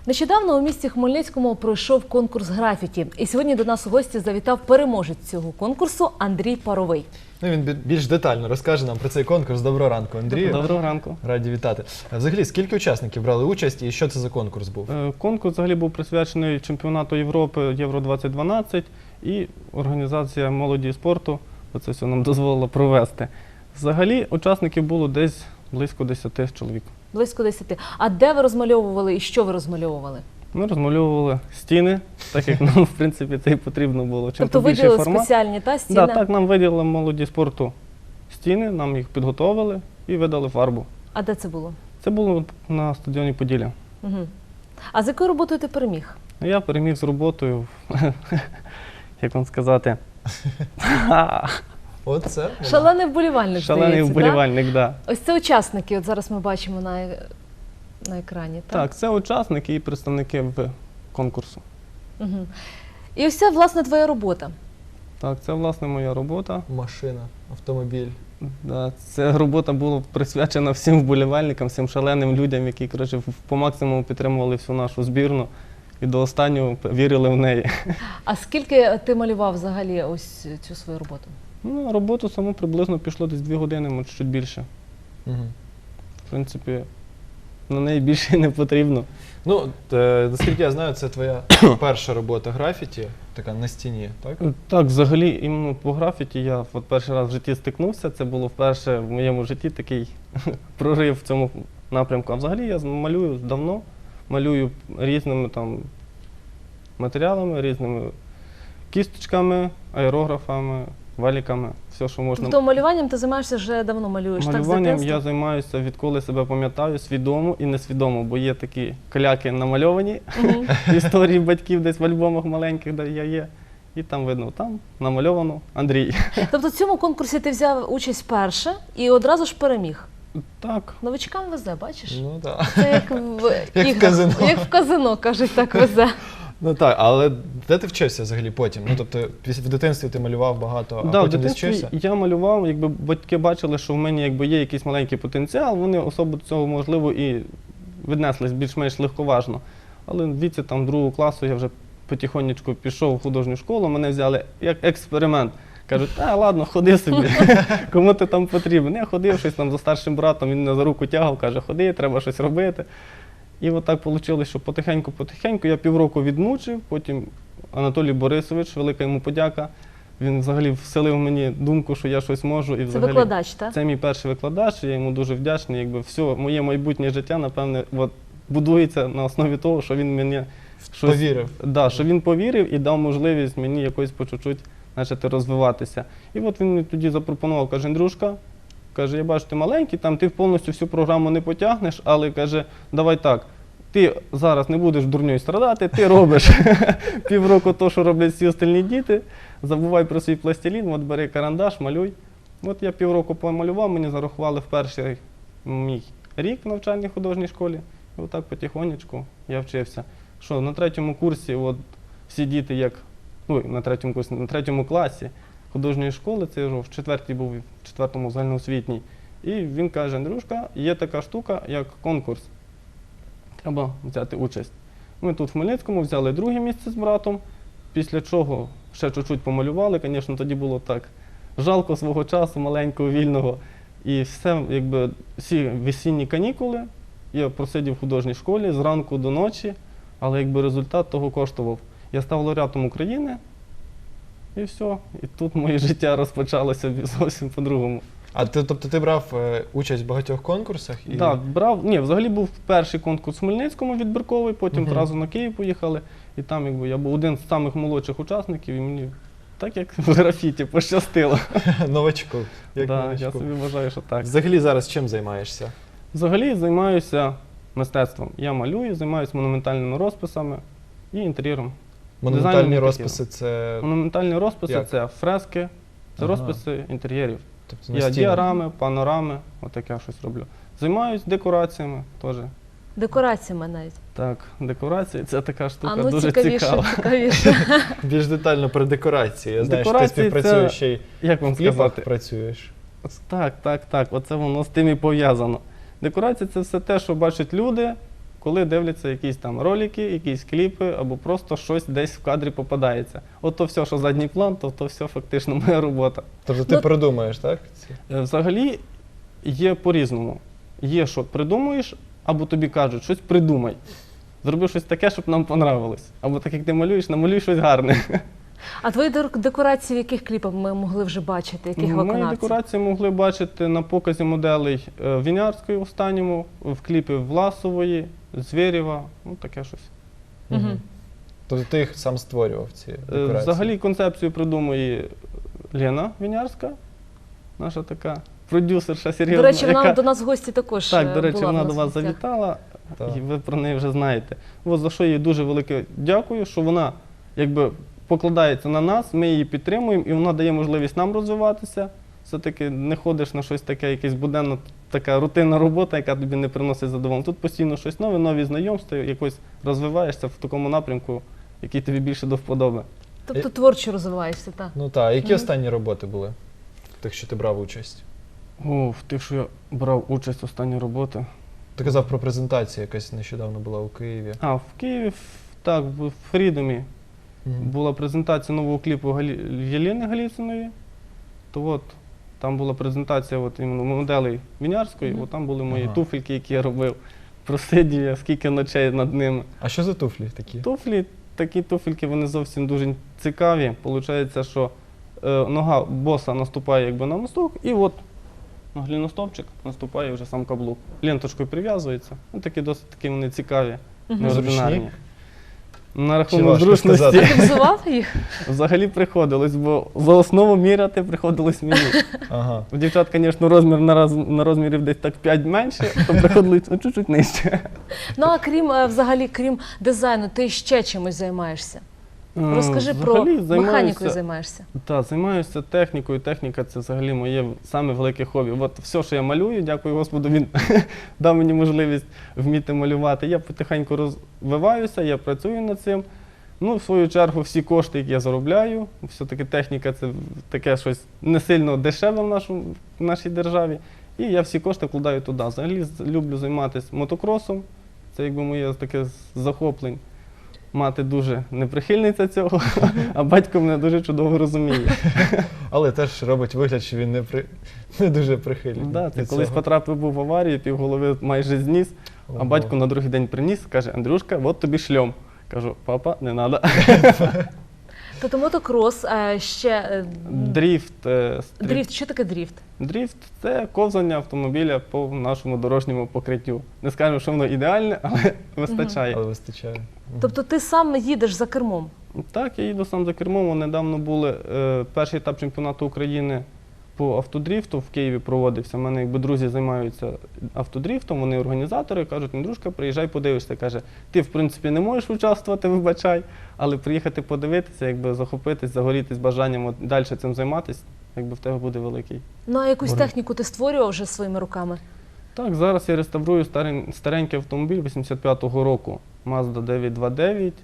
Нещодавно у місті Хмельницькому пройшов конкурс графіті. І сьогодні до нас у гості завітав переможець цього конкурсу Андрій Паровий. Він більш детально розкаже нам про цей конкурс. Доброго ранку, Андрію. Доброго ранку. Раді вітати. Взагалі, скільки учасників брали участь і що це за конкурс був? Конкурс взагалі був присвячений чемпіонату Європи Євро-2012 і організація молоді і спорту оце все нам дозволила провести. Взагалі учасників було десь близько 10 чоловік. Близько 10. А де ви розмальовували і що ви розмальовували? Ми розмальовували стіни, так як нам, в принципі, це і потрібно було. Чим Тобто більший виділили формат. спеціальні стіни? Так, нам виділили молоді спорту стіни, нам їх підготовили і видали фарбу. А де це було? Це було на стадіоні Поділля. Угу. А з якою роботою ти переміг? Я переміг з роботою, як вам сказати, Оце? Шалений вболівальник, шалений здається, вболівальник, так. Да? Ось це учасники, от зараз ми бачимо на екрані, так? Так, це учасники і представники конкурсу. Угу. І ось це, власне, твоя робота. Так, це, власне, моя робота. Машина, автомобіль. Да, ця робота була присвячена всім вболівальникам, всім шаленим людям, які, коротше, по максимуму підтримували всю нашу збірну і до останнього вірили в неї. А скільки ти малював взагалі ось цю свою роботу? Ну, роботу саму приблизно пішло десь 2 години, може, чуть більше. Угу. В принципі, на неї більше не потрібно. Ну, наскільки я знаю, це твоя перша робота графіті, така на стіні, так? Так, взагалі, іменно по графіті я от перший раз в житті стикнувся. Це було вперше в моєму житті такий прорив в цьому напрямку. А взагалі я малюю давно, малюю різними там матеріалами, різними кісточками, аерографами, валіками, все, що можна. Тобто малюванням ти займаєшся вже давно, малюєш, так, з Малюванням дитинства? я займаюся, відколи себе пам'ятаю, свідомо і несвідомо, бо є такі каляки намальовані, історії батьків десь в альбомах маленьких, де я є. І там видно, там намальовано Андрій. Тобто в цьому конкурсі ти взяв участь вперше і одразу ж переміг. Так. Новичкам везе, бачиш? Ну, так. Це як в Як в іграх, казино. як в казино, кажуть, так везе. Ну так, але де ти вчився взагалі потім? Ну, тобто, в дитинстві ти малював багато, а Да, в потім десь дитинстві вчився? я малював, якби батьки бачили, що в мене якби є якийсь маленький потенціал, вони особо до цього, можливо, і віднеслись більш-менш легковажно. Але в віці там 2 класу я вже потихонечку пішов в художню школу, мене взяли як експеримент. Кажуть, ладно, ходи собі, кому ти там потрібен. Я ходив щось там за старшим братом, він мене за руку тягав, каже, ходи, треба щось робити. І от так вийшло, що потихеньку я півроку відмучив, потім Анатолій Борисович, велика йому подяка, він взагалі вселив мені думку, що я щось можу. І взагалі, викладач, так? Це мій перший викладач, я йому дуже вдячний. Якби все моє майбутнє життя, напевне, от, будується на основі того, що він мені Повірив. Да, що він повірив і дав можливість мені якось по чуть-чуть почати розвиватися. І от він мені тоді запропонував, каже, Андрюшка, каже, я бачу, ти маленький, там ти повністю всю програму не потягнеш, але, каже, давай так, ти зараз не будеш дурньою страдати, ти робиш півроку то, що роблять всі остальні діти, забувай про свій пластилін, от бери карандаш, малюй. От я півроку помалював, мені зарахували в перший мій рік в навчальній художній школі. І отак потихонечку я вчився. Що на 3-му курсі от всі діти, як, на 3-му курсі, на 3-му класі художньої школи, це я в 4-й був, в 4-му загальноосвітній. І він каже, Андрюшка, є така штука, як конкурс. Треба взяти участь. Ми тут в Хмельницькому взяли 2-е місце з братом, після чого ще чуть-чуть помалювали. Звісно, тоді було так жалко свого часу, маленького, вільного. І все, якби, всі весінні канікули я просидів в художній школі з ранку до ночі, але якби результат того коштував. Я став лауреатом України, і все. І тут моє життя розпочалося зовсім по-другому. А тобто ти брав участь в багатьох конкурсах? І... Так, брав. Ні, взагалі був перший конкурс в Хмельницькому відбірковий, потім одразу на Київ поїхали. І там якби, я був один з самих молодших учасників, і мені так як в графіті пощастило. Новачку. Як Да, новачку. я собі вважаю, що так. Взагалі зараз чим займаєшся? Взагалі займаюся мистецтвом. Я малюю, займаюся монументальними розписами і інтер'єром. Монументальні Дизайном розписи це... Монументальні розписи Як? це фрески, це Ага. розписи інтер'єрів. Тобто на Я стінах. діарами, панорами, отаке щось роблю. Займаюсь декораціями теж. Декораціями навіть. Так, декорації це така штука А ну дуже цікавіше, цікава. цікавіше. Більш детально про декорації. Я знаю, що ти Декорації співпрацюєш це- ще й Як вам в кліпах сказати? працюєш. Так, оце воно з тим і пов'язано. Декорація це все те, що бачать люди, коли дивляться якісь там ролики, якісь кліпи, або просто щось десь в кадрі попадається. От то все, що задній план, то все фактично моя робота. Тобто ти придумаєш, так? Взагалі є по-різному. Є, що придумуєш, або тобі кажуть, щось придумай. Зроби щось таке, щоб нам понравилось. Або так, як ти малюєш, намалюй щось гарне. А твої декорації в яких кліпах ми могли вже бачити? Яких Мої виконавців? декорації могли бачити на показі моделей Вінярської останньому, в кліпі Власової, Звєрєва, ну таке щось. Мгм. Тобто ти їх сам створював, ці декорації? Взагалі концепцію придумує Лена Вінярська, наша така продюсерша серйозна. До речі, вона яка... до нас в гості також Так, до речі, була в вона нас до в вас гостях. завітала, Так. і ви про неї вже знаєте. От за що їй дуже велике дякую, що вона якби покладається на нас, ми її підтримуємо, і вона дає можливість нам розвиватися. Все-таки не ходиш на щось таке, якесь буденно, така рутинна робота, яка тобі не приносить задоволення. Тут постійно щось нове, нові знайомства, якось розвиваєшся в такому напрямку, який тобі більше до вподоби. Тобто творчо розвиваєшся, так. Ну так, які останні роботи були? В тих, що ти брав участь? О, в тих, що я брав участь в останній роботи. Ти казав про презентацію, якась нещодавно була у Києві. А, в Києві, так, в Фрідомі Мгм. була презентація нового кліпу Єлени Галіциної. То от, там була презентація от, іменно моделей Вінярської, от там були мої Ага. туфельки, які я робив. Просидів я скільки ночей над ними. А що за туфлі такі? Туфлі, такі туфельки, вони зовсім дуже цікаві. Получається, що нога боса наступає якби на мосток, і от на гліностопчик наступає вже сам каблук. Ленточкою прив'язується. Ну, такі досить такі вони цікаві, неординарні. Зручні? На важко рахунок зручності сказати? Ти взував їх? взагалі приходилось, бо за основу міряти приходилось мені. Ага. У дівчат, звісно, розмір на розмірів десь так 5 менше, то приходилось чуть-чуть нижче. Ну а крім взагалі, крім дизайну, ти ще чимось займаєшся? Розкажи про Взагалі механікою займаєшся. Так, займаюся технікою. Техніка це взагалі моє саме велике хобі. От все, що я малюю, дякую Господу, він дав мені можливість вміти малювати. Я потихеньку розвиваюся, я працюю над цим. Ну, в свою чергу, всі кошти, які я заробляю, все-таки техніка це таке щось не сильно дешеве в нашій державі. І я всі кошти вкладаю туди. Взагалі люблю займатися мотокросом. Це якби моє таке захоплення. Мати дуже неприхильниця цього, а батько мене дуже чудово розуміє. Але теж робить вигляд, що він не дуже прихильний. Да, до це колись цього. потрапив був в аварію, півголови майже зніс, а Ого. батько на другий день приніс, каже: Андрюшка, от тобі шльом. Кажу: папа, не треба. Тобто мотокрос, ще Дріфт. дріфт. Що таке дріфт? Дріфт – це ковзання автомобіля по нашому дорожньому покриттю. Не скажемо, що воно ідеальне, але вистачає. Але вистачає. Тобто ти сам їдеш за кермом? Так, я їду сам за кермом. Недавно були перший етап чемпіонату України по автодріфту в Києві проводився. У мене якби друзі займаються автодріфтом, вони організатори, кажуть: Андрюшка, приїжджай, подивишся. Каже, ти в принципі не можеш участвувати, вибачай, але приїхати подивитися, якби захопитись, загорітись бажанням от далі цим займатися, якби в тебе буде великий. Ну а якусь Добре. техніку ти створював вже своїми руками? Так, зараз я реставрую старенький автомобіль 85-го року, Mazda 929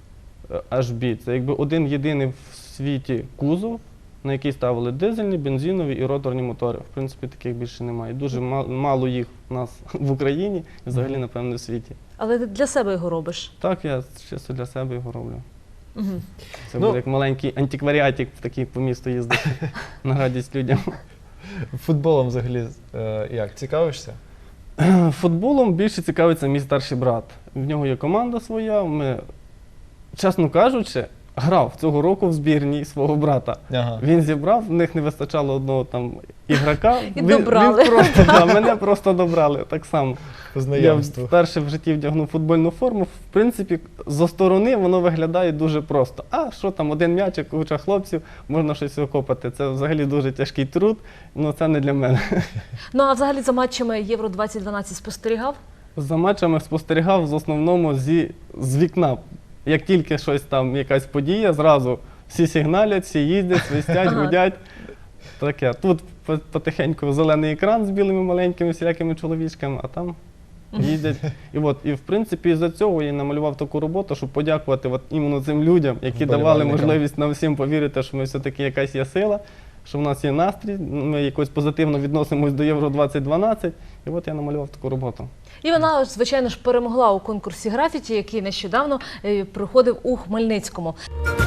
HB. Це якби один єдиний в світі кузов, на який ставили дизельні, бензинові і роторні мотори. В принципі, таких більше немає. Дуже мало їх у нас в Україні і взагалі, напевно, в світі. Але ти для себе його робиш? Так, я чисто для себе його роблю. Угу. Це Ну, буде як маленький антикваріатик такий по місту їздити на радість людям. Футболом взагалі як? Цікавишся? Футболом більше цікавиться мій старший брат. В нього є команда своя. Ми, чесно кажучи, грав цього року в збірній свого брата. Ага. Він зібрав, в них не вистачало одного там ігрока. І добрали. Він просто, да, мене просто добрали так само. По Я знайомству. вперше в житті вдягнув футбольну форму. В принципі, зі сторони воно виглядає дуже просто. А що там, один м'ячик, куча хлопців, можна щось викопати. Це взагалі дуже тяжкий труд, але це не для мене. Ну а взагалі за матчами Євро 2012 спостерігав? За матчами спостерігав в основному з вікна. Як тільки щось там, якась подія, зразу всі сигналять, всі їздять, свистять, Ага. гудять. Таке. Тут потихеньку зелений екран з білими маленькими всілякими чоловічками, а там їздять. І в принципі, з-за цього я намалював таку роботу, щоб подякувати іменно цим людям, які давали Вболівальникам. можливість нам всім повірити, що ми все-таки якась є сила. що в нас є настрій, ми якось позитивно відносимось до Євро 2012, і от я намалював таку роботу. І вона, звичайно ж, перемогла у конкурсі графіті, який нещодавно проходив у Хмельницькому.